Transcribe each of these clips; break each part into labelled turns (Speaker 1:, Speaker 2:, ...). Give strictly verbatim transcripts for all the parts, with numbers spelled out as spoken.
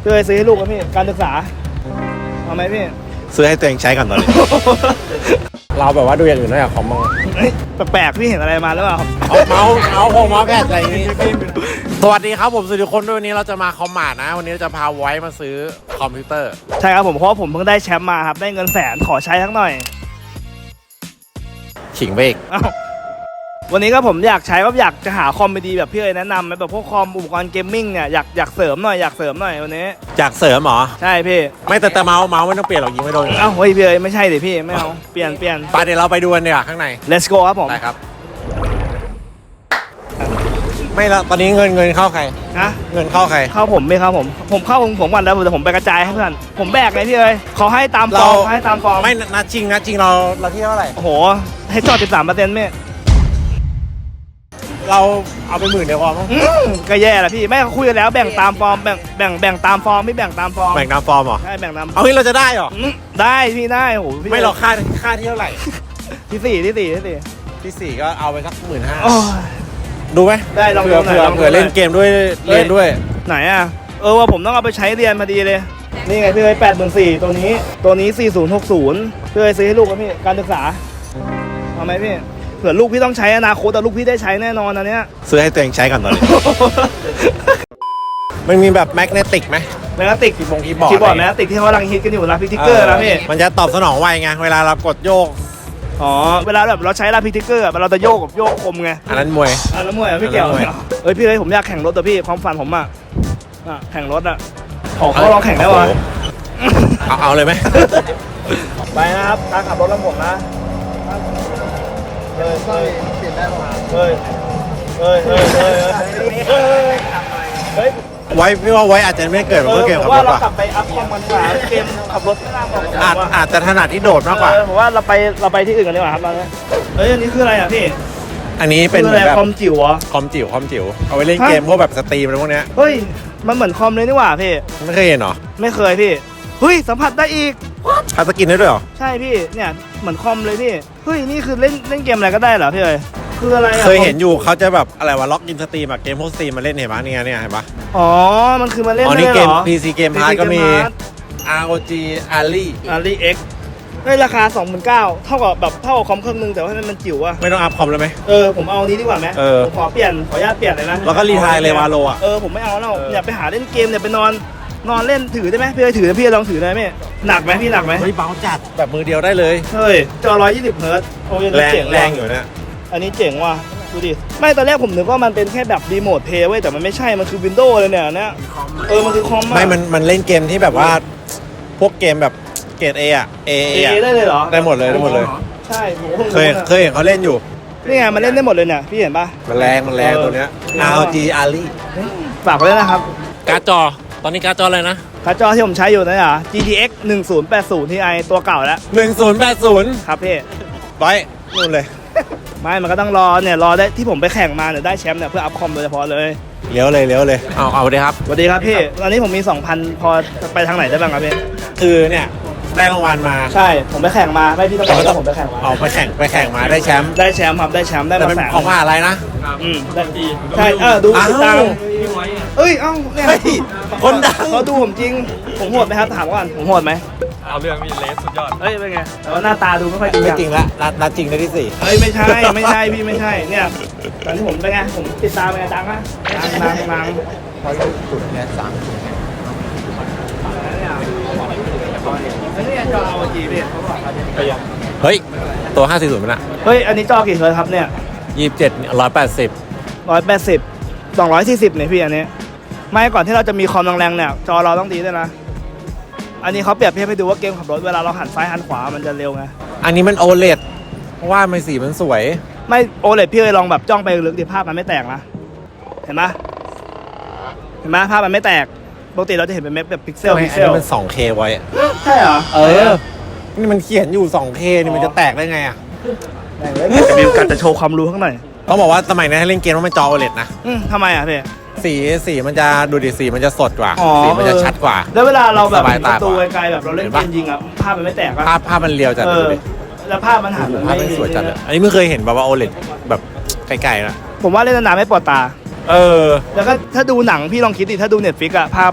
Speaker 1: พี่เคยซื้อให้ลูกไหมพี่การศึกษาเอาไหมพี่
Speaker 2: ซื้อให้ตัวเองใช้ก่อนตอนนี้ เราแบบว่าดูอย่างอื่นด้วยอะคอมมอง
Speaker 1: แปลกๆพี่เห็นอะไรมาหรือเปล่า
Speaker 2: เอาเมาส์เอาโฮมเมาส์แพดอะไรอย่างงี้สวัสดีครับผมสุริคนด้วยวันนี้เราจะมาคอมมาร์ทนะวันนี้เราจะพาไว้มาซื้อคอมพิวเตอร์
Speaker 1: ใช่ครับผมเพราะว่าผมเพิ่งได้แชมป์มาครับได้เงินแสนขอใช้ทั้งหน่อย
Speaker 2: ขิงเบก
Speaker 1: วันนี้ก็ผมอยากใช้ว่าอยากจะหาคอมดีแบบพี่เอ๋ยแนะนำไหมแบบพวกคอมอุปกรณ์เกมมิ่งเนี่ยอยากอยากเสริมหน่อยอยากเสริมหน่อยวันนี้
Speaker 2: อยากเสริมหรอ
Speaker 1: ใช่พี่
Speaker 2: ไม่แต่แต่เมาส์เมาส์ไม่ต้องเปลี่ยนหรอกยิงไม่โดน
Speaker 1: เอ้าเฮ้ยพี่เอ๋ยไม่ใช่ดิพี่ไม่เอาเปลี่ยนเปลี่ยน
Speaker 2: ไปเดี๋ยวเราไปดูกันดีกว่าข้างใน
Speaker 1: let's go ครับผม
Speaker 2: ได้ครับไม่ละตอนนี้เงินเงินเข้าใคร
Speaker 1: นะ
Speaker 2: เงินเข้าใคร
Speaker 1: เข้าผมไม่เข้าผมผมเข้าผมผมวันแล้วแต่ผมไปกระจายให้เพื่อนผมแบกไงพี่เอ๋ยเขาให้ตามฟอร์มให้ตามฟอร์ม
Speaker 2: ไม่นัดจริงนัดจริงเราเราที่เท่าไหร่
Speaker 1: โอ้โหให้จอด สิบสามเปอร์เซ็นต์ ไม่
Speaker 2: เราเอาไปหมื่นเดียวพอมั้ง
Speaker 1: ก็แย่ละพี่ไม่คุยกันแล้วแบ่งตามฟอร์มแบ่งแบ่งแบ่งตามฟอร์มไม่แบ่งตามฟอร์ม
Speaker 2: แบ่งตามฟอร์มเหรอ
Speaker 1: ใช่แบ่งตาม
Speaker 2: เอางี้เราจะได้เหรอ
Speaker 1: ได้พี่ได้โอ้โห
Speaker 2: ไม่เราค่าค่าที่เท่าไหร่
Speaker 1: ที่สี่ที่สี่ที่สี่
Speaker 2: ที่สี่ก็เอาไปสักหมื่นห้า
Speaker 1: ดู
Speaker 2: ไหม
Speaker 1: ได้ลอง
Speaker 2: เผื่อเผื่อเผื่อเล่นเกมด้วยเรียนด้วย
Speaker 1: ไหนอ่ะเออว่าผมต้องเอาไปใช้เรียนพอดีเลยนี่ไงพี่เอ้ยแปดหมื่นสี่ตัวนี้ตัวนี้สี่ศูนย์หกศูนย์พี่เอ้ยซื้อให้ลูกครับพี่การศึกษาเอาไหมพี่เผื่อลูกพี่ต้องใช้อนาคตแต่ลูกพี่ได้ใช้แน่นอนอันเนี้ย
Speaker 2: ซื้อให้ตัวเองใช้ก่อนตอนนี้มันมีแบบแมกเนติกไหม
Speaker 1: แมกเนติก
Speaker 2: คีย์บอร์ดคีย์บอร์ด
Speaker 1: คีย์บอร์ดแมกเนติกที่เขากำลังฮิตกันอยู่รับพิกทิกเกอร์นะพี่
Speaker 2: มันจะตอบสนองไวไงเวลาเรากดโยก
Speaker 1: อ๋อเวลาแบบเราใช้รับพิกทิกเกอร์เราจะโยกกับโยกคมไง
Speaker 2: อันนั้นมวย
Speaker 1: อันนั้นมวยไม่เกี่ยวเอ้ยพี่เอ้ยผมอยากแข่งรถแต่พี่ความฝันผมอ่ะแข่งรถอ่ะขอเขาลองแข่งได้ปะ
Speaker 2: เอาเอาเลยไหม
Speaker 1: ไปนะครับการขับรถลำผมนะเฮ้ยเฮ้ยเปลี่ยนได้ป่ะเฮ้ยเฮ้ยเฮ้ยเฮ้ยเฮ้ย
Speaker 2: ไว้พี่ว่าไว้อาจจะไม่เกิดเมื่อเกมขับรถ
Speaker 1: ว่าเรากลับไปอัพคอมกันดีกว่าเกมขับรถไม่น่าบอก
Speaker 2: อาจอาจจะถนัดที่โดดมากกว่า
Speaker 1: ผมว่าเราไปเราไปที่อื่นกันดีกว่าครับเฮ้ยอันนี้คืออะไรอ่ะพี่
Speaker 2: อันนี้เป็น
Speaker 1: แบบคอมจิ๋วอ่ะ
Speaker 2: คอมจิ๋วคอมจิ๋วเอาไว้เล่นเกมพวกแบบสตรีมอะไรพวกเนี้ย
Speaker 1: เฮ้ยมันเหมือนคอมเลยนี่หว่าพี่
Speaker 2: ไม่เคยเห็นหรอ
Speaker 1: ไม่เคยพี่เฮ้ยสัมผัสได้อีก
Speaker 2: ทำสกินได้ด้วยหรอ
Speaker 1: ใช่พี่เนี่ยเหมือนคอมเลยพี่เฮ้ยนี่คือเล่นเล่นเกมอะไรก็ได้เหรอพี่เอ้ยคืออะไร
Speaker 2: เคยเห็นอยู่เขาจะแบบอะไรวะล็อกอินสตรีมแบบเกมพวกสตรีมมาเล่นเห็นปะเนี่ยเนี่ยเห็นปะ
Speaker 1: อ๋อมันคือมาเล่น
Speaker 2: อ๋อ
Speaker 1: นี่
Speaker 2: เกม พี ซี เกมพาร์ทก็มี อาร์ โอ จี Ali
Speaker 1: Ali X ได้ราคา สองหมื่นเก้าพัน เท่ากับแบบเท่ากับคอมเครื่องนึงแต่ว่ามันจิ๋วอะ
Speaker 2: ไม่ต้องอัพคอมเลยไหม
Speaker 1: เออผมเอานี้ดีกว่าไหม
Speaker 2: เออ
Speaker 1: ผมขอเปลี่ยนขออนุญาตเปลี่ยนเลยนะ
Speaker 2: แล้วก็รีไทร์เลยวาโลอะ
Speaker 1: เออผมไม่เอาแล้วอยากไปหาเล่นเกมเนี่ยไปนอนนอนเล่นถือได้ไหมพี่ถือพี่ลองถือได้ไหมหนักไหมพี่หนักไหม
Speaker 2: เฮ้ยเบาจัดแบบมือเดียวได้เลย
Speaker 1: เฮ้ยจอหนึ่งร้อยยี่สิบเฮิร์ตซ์โอ้ย
Speaker 2: แรงแรงอยู่นะ
Speaker 1: อันนี้เจ๋งว่ะดูดิไม่ตอนแรกผมนึกว่ามันเป็นแค่แบบรีโมทเพย์เว้ยแต่มันไม่ใช่มันคือวินโดว์เลยเนี่ยเนี่ยเออมันคือคอม
Speaker 2: ไม่มันมันเล่นเกมที่แบบว่าพวกเกมแบบเกรด A อ่ะ A
Speaker 1: เอได้เลยเหรอ
Speaker 2: ได้หมดเลยได้หมดเลย
Speaker 1: ใช่
Speaker 2: เคยเคยเห็นเขาเล่นอยู่
Speaker 1: นี่ไงมันเล่นได้หมดเลยเนี่ยพี่เห็นปะ
Speaker 2: มันแรงมันแรงตัวเนี้ย อาร์ โอ จี Ali
Speaker 1: ฝากไว้ด้วยนะครับ
Speaker 2: การ์ดจอตอนนี้การ์ดจออะไรนะ
Speaker 1: การ์ดจอที่ผมใช้อยู่นะอ่ะ จี ที เอ็กซ์ หนึ่งศูนย์แปดศูนย์ ที ไอ ตัวเก่าแล้ว
Speaker 2: หนึ่งศูนย์แปดศูนย์
Speaker 1: ครับพี่
Speaker 2: ไว้นู่นเลย
Speaker 1: ไม่มันก็ต้องรอเนี่ยรอได้ที่ผมไปแข่งมาเนี่ยได้แชมป์เนี่ยเพื่ออัพคอมโดยเฉพาะเลย
Speaker 2: เลี้ยวเลยเลี้ยวเลยเอาเอาเลยครับ
Speaker 1: สวัสดีครับพี่ตอนนี้ผมมี สองพัน พอไปทางไหนได้บ้างครับพี่
Speaker 2: คือเนี่ยได้รางวัลมา
Speaker 1: ใช่ผมไปแข่งมาไม่พี่ต้องบอกว่าผมไปแข่งมา
Speaker 2: เอาไปแข่งไปแข่งมาได้แชมป์
Speaker 1: ได้แชมป์ครับได้แชมป์ได้มาแสน
Speaker 2: ของว่าอะไรนะ
Speaker 1: อืมได้ดีใช่เออดูติดตามเอ้ยเอ้าเนี่ย
Speaker 2: คนดัง
Speaker 1: เขาดูผมจริงผมโหดไหมครับถามก่อนผมโหดไหม
Speaker 3: เอาเรื่องมีเลสสุดยอด
Speaker 1: เฮ้ยเป็นไงแต่ว่าหน้าตาดูไม่ค่อยจริง
Speaker 2: ไม่จริงละนัดนัดจริงได้ที่สี่
Speaker 1: เฮ้ยไม่ใช่ไม่ใช่พี่ไม่ใช่เนี่ยตอนที่ผมเป็นไงผมติดตามเป็นไงดังนะดังดังดัง
Speaker 2: พอสุดเนี่ยสั่งเฮ้ยตัวห้าสี่ศูนย์มันอะ
Speaker 1: เฮ้ยอันนี้จอกี่เฮิร์ตซ์ครับเนี่ย
Speaker 2: ยี่สิบเจ็ดร้อยแปดสิบ
Speaker 1: ร้อยแปดสิบสองร้อยสี่สิบเนี่ยพี่อันนี้ไม่ก่อนที่เราจะมีคอมแรงๆเนี่ยจอเราต้องดีด้วยนะอันนี้เขาเปรียบเทียบให้ดูว่าเกมขับรถเวลาเราหันซ้ายหันขวามันจะเร็วไง
Speaker 2: อันนี้มันโอเลดเพราะว่ามันสีมันสวย
Speaker 1: ไม่โอเลดพี่เลยลองแบบจ้องไปลึกดิภาพมันไม่แตกนะเห็นไหมเห็นไหมภาพมันไม่แตกปกติเราจะเห็นเป็นเม็ดแบบพิกเซลพิกเซล
Speaker 2: มัน ทู เค ไว้
Speaker 1: ใช่เหรอ
Speaker 2: เออนี่มันเขียนอยู่ ทู เค นี่มันจะแตกได้ไงอ่ะ
Speaker 1: จะมีการจะโชว์ความรู้ข้างใน
Speaker 2: ต้องบอกว่าสมัยนี้ให้เล่นเกมว่ามันจอโอเลดนะ
Speaker 1: อืมทำไมอ่ะพี่
Speaker 2: สีสีมันจะดูดิสีมันจะสดกว่าสีมันจะชัดกว่า
Speaker 1: แล้วเวลาเราแบบประตูไกลๆแบบเราเล่นเกมยิงอ่ะภาพมันไม่แตก
Speaker 2: ภาพภาพมันเรียวจัดเลย
Speaker 1: แล้วภาพมันหัน
Speaker 2: ภาพมันสวยจัดเลยอันนี้ไม่เคยเห็นแบบว่าโอเลดแบบไกลๆนะ
Speaker 1: ผมว่าเล่นนานๆไม่ปวดตา
Speaker 2: เออ
Speaker 1: แล้วก็ถ้าดูหนังพี่ลองคิดดิถ้าดู Netflix อ่ะภาพ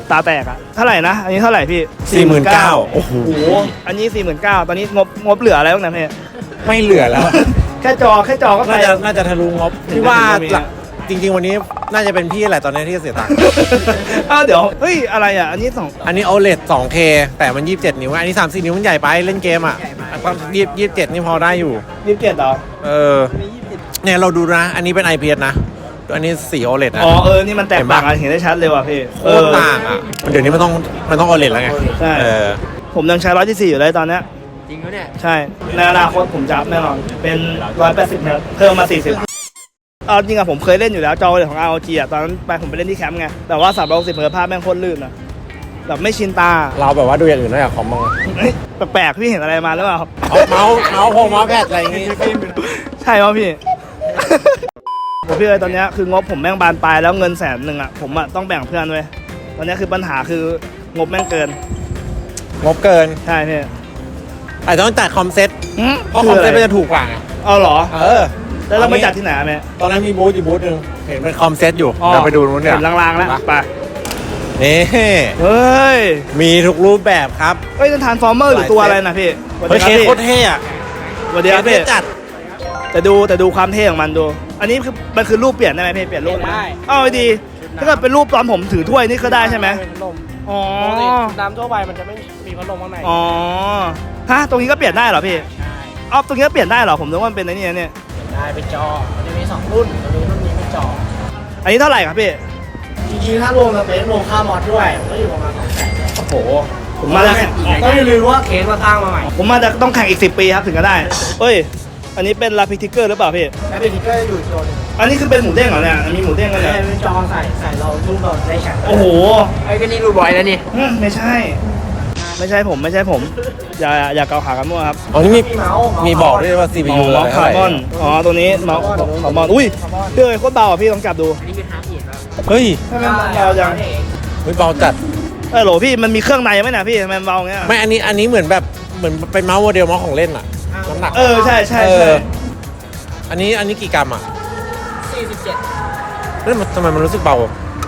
Speaker 1: ตาแตกอะเท่าไหร่นะอันนี้เท่าไหร่พี่
Speaker 2: สี่หมื่นเก้า
Speaker 1: โอ้โหอันนี้สี่หมื่นเก้าตอนนี้งบงบเหลืออะไรบ้างนะพี่
Speaker 2: ไม่เหลือแล้ว
Speaker 1: แค่จอแค่จอก็ไป
Speaker 2: น่าจะน่าจะทะลุงบที่ว่าหลักจริง ๆ วันนี้น่าจะเป็นพี่แหละตอนนี้ที่จะเสียตังค์
Speaker 1: เอ้าเดี๋ยวเฮ้ยอะไรอ่ะอันนี้สอง
Speaker 2: อันนี้ โอ แอล อี ดี สองเค แต่มันยี่สิบเจ็ดนิ้วอันนี้สามสิบนิ้วมันใหญ่ไปเล่นเกมอ่ะความยี่สิบเจ็ดนี่พอได้อยู่
Speaker 1: ยี่สิบเจ็ดเหรอ
Speaker 2: เออเนี่ยเราดูนะ อันนี้เป็น ไอ พี เอส นะอันนี้สี โอ แอล อี ดี นะ
Speaker 1: อ๋อเออนี่มันแตกต่างกันเห็นได้ชัดเลยว่ะพี่
Speaker 2: โคตรต่างอ่ะเดี๋ยวนี้มันต้องมันต้อง โอ แอล อี ดี แล้วไง
Speaker 1: ใช่
Speaker 2: เออ
Speaker 1: ผมยังใช้ร้อยที่สี่อยู่เลยตอนเนี้ย
Speaker 3: จริงเขาเนี่ย
Speaker 1: ใช่ในอนาคตผมจะอัพแน่นอนเป็นร้อยแปดสิบครับเพิ่มมาสี่สิบเอาจริงอะผมเคยเล่นอยู่แล้วจอของ อาร์ โอ จี อะตอนนั้นไปผมไปเล่นที่แคมป์ไงแต่ว่าสามร้อยหกสิบเฮิร์ตซ์ภาพแม่งโคตรลื่นอะแบบไม่ชินตา
Speaker 2: เราแบบว่าดูอย่างอื่นได้จากคอมมั้ง
Speaker 1: เฮ้ยแปลกๆพี่เห็นอะไรมาหรือเปล่าครับ
Speaker 2: เอาเมาส์เมาส์พงเมาส์แพดอะไรอย่างงี้
Speaker 1: ใช่ป่ะพี่ ผมพี่เลยตอนเนี้ยคืองบผมแม่งบานปลายแล้วเงินแสนหนึ่งอะผมอะต้องแบ่งเพื่อนเว้ยตอนเนี้ยคือปัญหาคืองบแม่งเกิน
Speaker 2: งบเกิน
Speaker 1: ใช่พี่
Speaker 2: อาจจะต้องจัดคอมเซ็ต
Speaker 1: อืม
Speaker 2: เพราะคอมเซ็ตมันจะถูกกว่าไง
Speaker 1: เอาเหรอ
Speaker 2: เออ
Speaker 1: แล้วเราไปจัดที่ไหนอะแม่
Speaker 2: ตอนนั้นมีบูธอยู่บูธหนึ่งเห็นเป็นคอมเซ็ตอยู่
Speaker 1: อ๋อ
Speaker 2: เดี๋ยวไปดูนู้นเนี่ย
Speaker 1: เห็นลางๆแล้วไป
Speaker 2: นี่
Speaker 1: เฮ้ย
Speaker 2: มีทุกรูปแบบครับ
Speaker 1: เฮ้ยนั่นทรานส์ฟอร์เมอร์หรือตัวอะไรนะพี่สวัส
Speaker 2: เฮ้
Speaker 1: ดี
Speaker 2: ย
Speaker 1: ครับพี่
Speaker 2: เคสโคตรเท่อะ
Speaker 1: สวัสดีครับ
Speaker 2: เค
Speaker 1: พี่
Speaker 2: สจัด
Speaker 1: แต่ดูแต่ดูความเท่ของมันดู อันนี้คือมันคือรูปเปลี่ยนได้ไหมพี่เปลี่ยนรูปได้เอ้าดี ถ้าเกิดเป็นรูปตอนผมถือถ้วยนี่ก็ได้ใช่ไหม
Speaker 4: เป็นพัดลม
Speaker 1: อ๋อ
Speaker 4: ปกติน้ำทั่วไปมันจะไม่มีพัดลมข้างใน
Speaker 1: อ๋อฮะตรงนี้ก็เปลี่ยนได้เหรอพี่อ๋อตรงนี้ก็เปลี่ยนได้เหรอผมนึกว่ามันเป็นไอ้นี่นะเนี่ย
Speaker 4: ได้เป็นจอ มันจะมีสองรุ่นตัวนี้รุ่นนี้เป็นจอ
Speaker 1: อันนี้เท่าไหร่ครับพี่
Speaker 4: จริงๆถ้ารวมสเปซรวมค่ามอดด้วยก็อยู่ประมาณสองแสน
Speaker 1: โอ้โหผมมาจะแข่ง
Speaker 4: ต้องอย่าลืมว่าเคสมาตั้งมาใหม่
Speaker 1: ผมมาจะต้องแข่งอีกสิบปีครับถึงจะได้เฮ้ยอันนี้เป็นลาพิทิกเกอร์หรือเปล่าพี่
Speaker 4: แล้วเป็นทิกเกอร์อยู่อีกตัวหนึง
Speaker 1: อันนี้คือเป็นหมูเด้งเหรอเนี่ยมีหมูเด้งกันเนี่ย
Speaker 4: เป็นจอใส่ใส่เราลูกเราได้แข่ง
Speaker 1: โอ้โห
Speaker 4: ไอ้ก็นี่รูบอยแล้วนี่
Speaker 1: อืมไม่ใช่ ไม่ใช่ผมไม่ใช่ผม อย่าอย่าเกาขากันมั่วครับ
Speaker 2: อ๋อนี่มี
Speaker 4: มีเมาส์
Speaker 2: มีบอกด้วยว่า ซี พี ยู
Speaker 1: เมาส์คาร์บอนอ๋อตัวนี้เมาส์คาร์บอนอุ้ยเฮ้ยโคตรเบาอ่ะพี่ลองจับดู
Speaker 4: อันนี้เป็นฮาร์ดเอ็ดแล้ว
Speaker 2: เฮ้ย
Speaker 1: ทำไมมันเบาจัง
Speaker 2: เฮ้ยเบาจัด
Speaker 1: เออโหลพี่มันมีเครื่องในไหมเนี่ยพี่ทำไมมันเบาอย่างเงี้ย
Speaker 2: ไม่อันนี้อันนี้เหมือนแบบเหมือนเป็นเมาส์โมเดลเมาส์ของเล่นอะน้ำหนัก
Speaker 1: เออใช่ใช่
Speaker 2: เอ
Speaker 1: ใช่
Speaker 2: ออันนี้อันนี้กี่กรัมอะ
Speaker 4: สี่สิบเจ็ด
Speaker 2: เฮ้ยมันทำไมมันรู้สึกเบา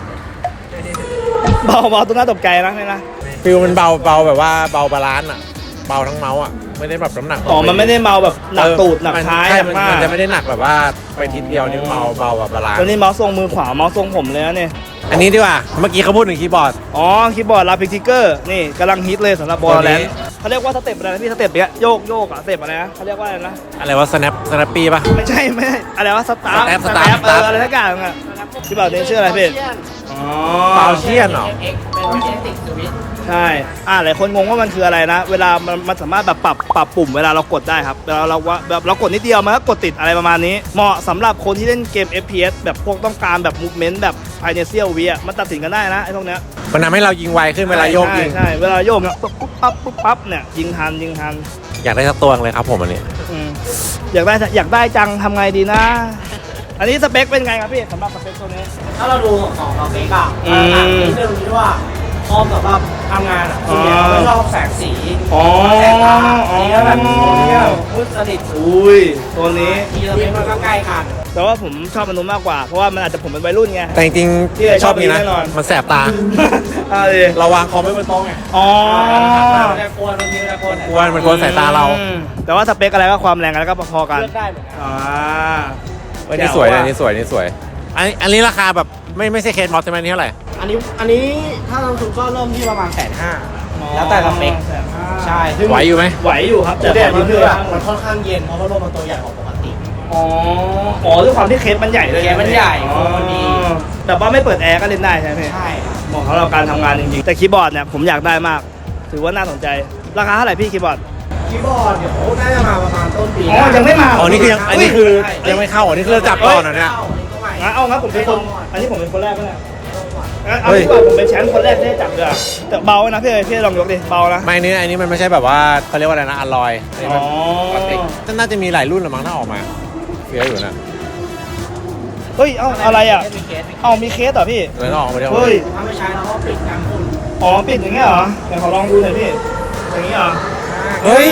Speaker 1: เบาเบาตัวน่าตกใจนะนี่นะ
Speaker 2: ฟิลมันเบาเบาแบบว่าเบาบาลานซ์อะเบาทั้งเมาส์อะไม่ได้แบบน้ำหนัก
Speaker 1: อ๋อมันไม่ได้เมาแบบหนักตูดหนัก
Speaker 2: มัน
Speaker 1: ท้าย
Speaker 2: ใช่
Speaker 1: หนัก
Speaker 2: มัน
Speaker 1: มาก
Speaker 2: มันจะไม่ได้หนักแบบว่าไปทีเดียวนี่เบาเบาแบบบาลานซ์
Speaker 1: ตัวนี้เมาส์ทรงมือขวาเมาส์ทรงผมเลยนะเนี่ย
Speaker 2: อันนี้ดีกว่าเมื่อกี้เขาพูดถึงคีย์บอร์ด
Speaker 1: อ๋อคีย์บอร์ดลาพิทิกเกอร์นี่กำลังฮิตเลยสำหรับบอลแลน
Speaker 2: ตัวนี้
Speaker 1: เขาเรียกว่าสเต็ปอะไรนะพี่สเต็ปเนี้ยโยกโยกอะสเต็ปอะไรนะเขาเรียกว่าอะไรนะ
Speaker 2: อะไรว่า snap snappy ป่ะ
Speaker 1: ไม่ใช่ไม่ใช่อะไรวะสตาร์
Speaker 2: Step
Speaker 1: ส
Speaker 2: Step
Speaker 1: ตาร์เอ
Speaker 2: Step
Speaker 1: ออะไรทั้งอย่างอะคีย์บอร์ดนี้ชื่ออะไรพี่อ๋อ
Speaker 2: เปาเชียนเหรอ
Speaker 4: เอ็กเป็นเมจิกสวิตช์
Speaker 1: ใช่อ่าหลายคนงงว่ามันคืออะไรนะ เวลามันมันสามารถแบบปรับปรับปุ่มเวลาเรากดได้ครับเวลาเราว่าแบบเรากดนิดเดียวมันก็กดติดอะไรประมาณนี้ เหมาะสำหรับคนที่เล่นเกม เอฟ พี เอส แบบพวกต้องการแบบมูฟเมนต์แบบภายในเซียววิอ่ะมันตัดสินกันได้นะไอ้พวกเนี้ย
Speaker 2: มันทำให้เรายิงไวขึ้นเวลาโยกยิง
Speaker 1: ใช่ใช่เวลาโยกเนี่ยปุ๊บปุ๊บปั๊บปุ๊บปั๊บเนี่ยยิงทันยิงทัน
Speaker 2: อยากได้สักตัวเลยครับผมอันนี้
Speaker 1: อืมอยากได้อยากได้จังทำไงดีนะ อันนี้สเปคเป็นไงครับพี่สำหรับสเปคตัวนี้
Speaker 4: ถ้าเราดูของเราเองอะ
Speaker 1: อืม
Speaker 4: ต่างนิดนึงที่ว่าคอมสำหรับทำงานอะส่วนใหญ่เราไม่ชอบแสงสี
Speaker 1: อ๋อ
Speaker 4: แสงตาสีก็แบบเที่ยวมืดสนิท
Speaker 1: อุ้ยตัวนี้
Speaker 4: ทีละเม็ดมันก็ใกล้กัน
Speaker 1: แต่ว่าผมชอบมันนู้นมากกว่า เพราะว่ามันอาจจะผมเป็นวัยรุ่นไง
Speaker 2: แต่จริง
Speaker 1: พี่
Speaker 2: ๆชอบนี้นะ
Speaker 1: ชอบนี้แน่นอน
Speaker 2: มันแสบตา
Speaker 1: เอาดิ
Speaker 2: เราวางคอมไม่บนโต๊ะไง
Speaker 1: อ๋อ
Speaker 4: แต่กวนบางทีแต่กวน
Speaker 2: กวนมันกวนสายตาเรา
Speaker 1: อืมแต่ว่าสเปคอะไรก็ความแรงอะไรก็พอๆกัน
Speaker 4: เลือกได้เหมือนกัน
Speaker 1: อ่า
Speaker 2: เฮ้ยนี่สวยนะนี่สวยนี่สวย อันนี้อันนี้ราคาแบบไม่ไม่ใช่เคสมอสใช่ไหมนี่เท่าไหร่
Speaker 4: อันนี้อันนี้ถ้าเราถูกก็เริ่มที่ประมาณแสนห้าแล้วแต่สเปคใช่ซึ่ง
Speaker 2: ไหวอยู่ไหม
Speaker 1: ไหวอยู่ครับ
Speaker 4: แต่
Speaker 1: แต่
Speaker 4: แต่
Speaker 1: ขอยื
Speaker 4: มัน
Speaker 1: ม
Speaker 4: คื
Speaker 1: เพื่
Speaker 4: อ
Speaker 1: อน
Speaker 4: มันค่อนข้างเย็นเพราะว่าลมมันตัวใหญ่กว่าปกติ
Speaker 1: อ๋ออ๋อด้วยความที่เคสมันใหญ่เลย
Speaker 4: เคสมันใหญ่
Speaker 1: อ๋อ
Speaker 4: มันดี
Speaker 1: แต่ว่าไม่เปิดแอร์ก็เล่นได้ใช่ไหมพี่
Speaker 4: ใช่
Speaker 1: เหมาะสำหรับการทำงานจริงๆแต่คีย์บอร์ดเนี่ยผมอยากได้มาก ถือว่าน่าสนใจราคาเท่าไหร่พี่คีย์บอร์ด
Speaker 4: คีย์บอร์ดเดี๋ยวน่าจะมาประมาณต้นปี
Speaker 1: อ๋อยังไม่มา
Speaker 2: อ๋อนี่คือยังอันนี้คือยังไม่เข้าอันนี้คือเราจับก่อนเหรอเนี่ย
Speaker 1: งั้นเอางั้นผมเป็นคนอันนี้ผมเป็นคนแรกก็ได้งั้นเอา
Speaker 2: เฮ้ย
Speaker 1: ดีกว่าผมเป็นแชมป์คนแรกที่ได้จับเลยอะแต่เบานะพี่เอ๋ยพี่ลองยกดิเบานะ
Speaker 2: ไม่อันนี้อันนี้มันไม่ใช่แบบว่าเขาเรียกว่าอะไรนะอลลอยอันนี้
Speaker 1: อ๋
Speaker 2: มัน
Speaker 1: อ
Speaker 2: ปกติน่าจะมีหลายรุ่นหรือมั้งถ้าออกมาเยอะอยู่นะ
Speaker 1: เฮ้ยเอาอะไรอ่ะ
Speaker 4: มีเคส
Speaker 1: เอามีเคสเหรอพี่
Speaker 2: เลยต้องออกมาเดียว
Speaker 1: เฮ้ย
Speaker 4: ถ้าไม่ใช้เราก็ปิดการพุ่น
Speaker 1: อ๋อปิดอย่างเงี้ยเหรอเดี๋ยวขอลองดูหน่อยพี่อย่างงี้เหรอ
Speaker 2: เฮ้ย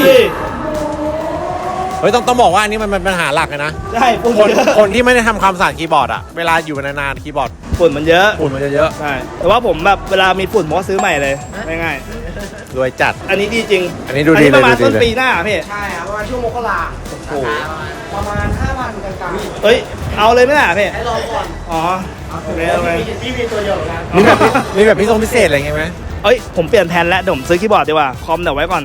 Speaker 2: เฮ้ยต้องต้องบอกว่าอันนี้มันเป็นปัญหาหลักเลยนะ
Speaker 1: ใช่ปุ่ม
Speaker 2: คน
Speaker 1: เยอะ
Speaker 2: คนที่ไม่ได้ทำความสะอาดคีย์บอร์ดอะเวลาอยู่นานๆคีย์บอร์ด
Speaker 1: ฝุ่นมันเยอะ
Speaker 2: ฝุ่นมันจะเยอะ
Speaker 1: ใช่แต่ว่าผมแบบเวลามีฝุ่นผมก็ซื้อใหม่เลยง่าย
Speaker 2: รวยจัด
Speaker 1: ๆอันนี้ดีจริง
Speaker 2: อันนี้ดูดี
Speaker 1: อันนี้ประมาณ
Speaker 2: เลยดูดี
Speaker 1: ต้น
Speaker 2: เลย
Speaker 1: ปีหน้าพี่
Speaker 4: ใช่ครับประมาณช่วงมกราคมประมาณห้าพันกลางๆ
Speaker 1: เฮ้ยเอาเลยไหมล่ะพี่
Speaker 4: ให้รอก่อน
Speaker 1: อ๋อโอเคโอเค
Speaker 4: พี่มีตัวเดียวเหมือนกัน
Speaker 2: มีแบบมีแบบพิเศษพิเศษอะไรเงี้ยไหม
Speaker 1: เอ้ยผมเปลี่ยนแผนแล้วเดี๋ยวผมซื้อคีย์บอร์ดดีกว่าคอมเดี๋ยวไว้ก่อน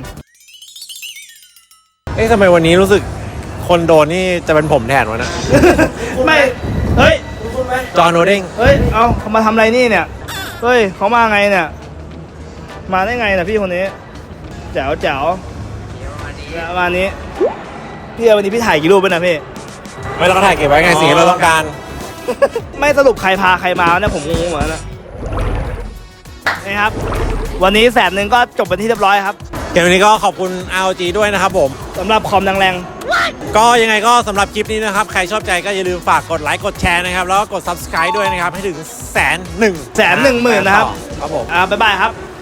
Speaker 2: เอ๊ะทำไมวันนี้รู้สึกคนโดนนี่จะเป็นผมแทนวะนะ
Speaker 1: ไม่เฮ้ย
Speaker 4: คุณไหม
Speaker 2: จอห์นโอเด้ง
Speaker 1: เฮ้ยเอาเขามาทำอะไรนี่เนี่ยเฮ้ยเขามาไงเนี่ยมาได้ไงนะพี่คนนี้แจ๋วแจ๋วประมาณนี้พี่เอาวันนี้พี่ถ่ายกี่รูปไปนะพี่
Speaker 2: ไม่เราก็ถ่ายเก็บไว้ไงสิ่งที่เราต้องการ
Speaker 1: ไม่สรุปใครพาใครมาเนี่ยผมงงเหมือนกันนะนี่ครับ วันนี้แสนหนึ่งก็จบเป็นที่เรียบร้อยครับ
Speaker 2: เกมนี้ก็ขอบคุณ อาร์ โอ จี ด้วยนะครับผม
Speaker 1: สำหรับคอมแรง
Speaker 2: ก็ยังไงก็สำหรับคลิปนี้นะครับ ใครชอบใจก็อย่าลืมฝากกดไลค์กดแชร์นะครับ แล้วก็กด ซับสไครบ์ ด้วยนะครับ ให้ถึงแสนหนึ่ง
Speaker 1: แสนหนึ่งหมื่นนะครับ
Speaker 2: ครับผม
Speaker 1: ๆอ่าบ๊ายบายครับ